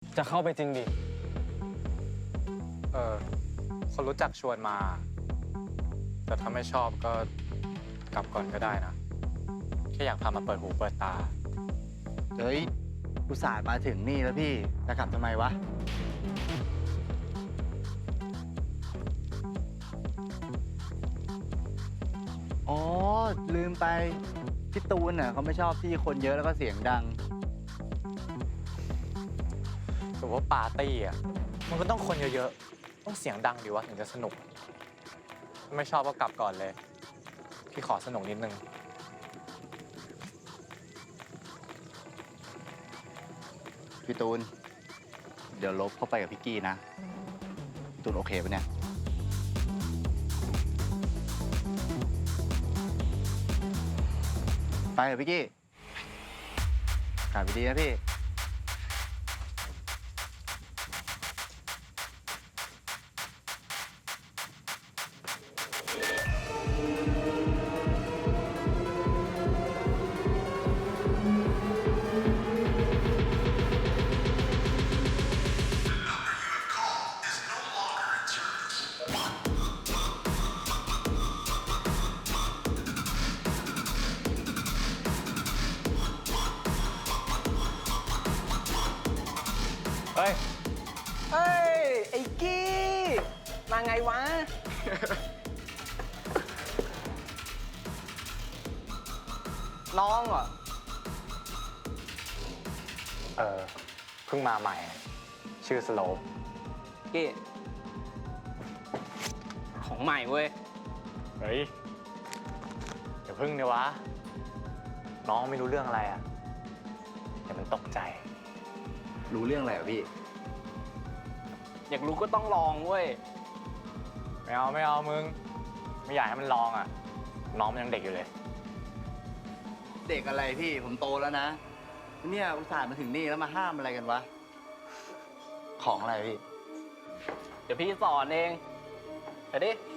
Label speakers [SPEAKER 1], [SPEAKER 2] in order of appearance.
[SPEAKER 1] จะเข้าไปจริงดิ
[SPEAKER 2] คนรู้จักชวนมา แต่ถ้าไม่ชอบก็กลับก่อนก็ได้นะ แค่อยากพามาเปิดหูเปิดตา
[SPEAKER 3] เฮ้ยอุตส่าห์มาถึงนี่แล้วพี่จะกลับทำไมวะอ๋อลืมไปพี่ตูนเขาไม่ชอบที่คนเยอะแล้วก็เสียงดัง
[SPEAKER 2] ถือว่าปาร์ตี้อ่ะ มันก็ต้องคนเยอะๆ ต้องเสียงดังดีวะถึงจะสนุก ไม่ชอบก็กลับก่อนเลย พี่ขอสนุกนิดนึง
[SPEAKER 3] พี่ตูนเดี๋ยวลบเข้าไปกับพี่กี้นะพี่ตูนโอเคปะเนี่ยไปเถอะพี่กี้กลับไปดีนะพี่
[SPEAKER 2] เฮ้ย
[SPEAKER 1] เฮ้ย ไอ้กี้ มาไงวะ น้องเหรอ
[SPEAKER 2] เพิ่งมาใหม่ ชื่อสโลป
[SPEAKER 1] กี้ ของใหม่เว้ย
[SPEAKER 2] เฮ้ยเดี๋ยวพึ่งเนี่ยวะ น้องไม่รู้เรื่องอะไรอ่ะเดี๋ยวมันตกใจ
[SPEAKER 3] รู้เรื่องอะไรอ่ะพี่
[SPEAKER 1] อยากรู้ก็ต้องลองเว้ย
[SPEAKER 2] ไม่เอามึง ไม่อยากให้มันลองอ่ะ น้องมันยังเด็กอยู่เลย
[SPEAKER 3] เด็กอะไรพี่ผมโตแล้วนะเนี่ยอุตส่าห์มาถึงนี่แล้วมาห้ามอะไรกันวะของอะไรพี่
[SPEAKER 1] เดี๋ยวพี่สอนเอง ไปดิ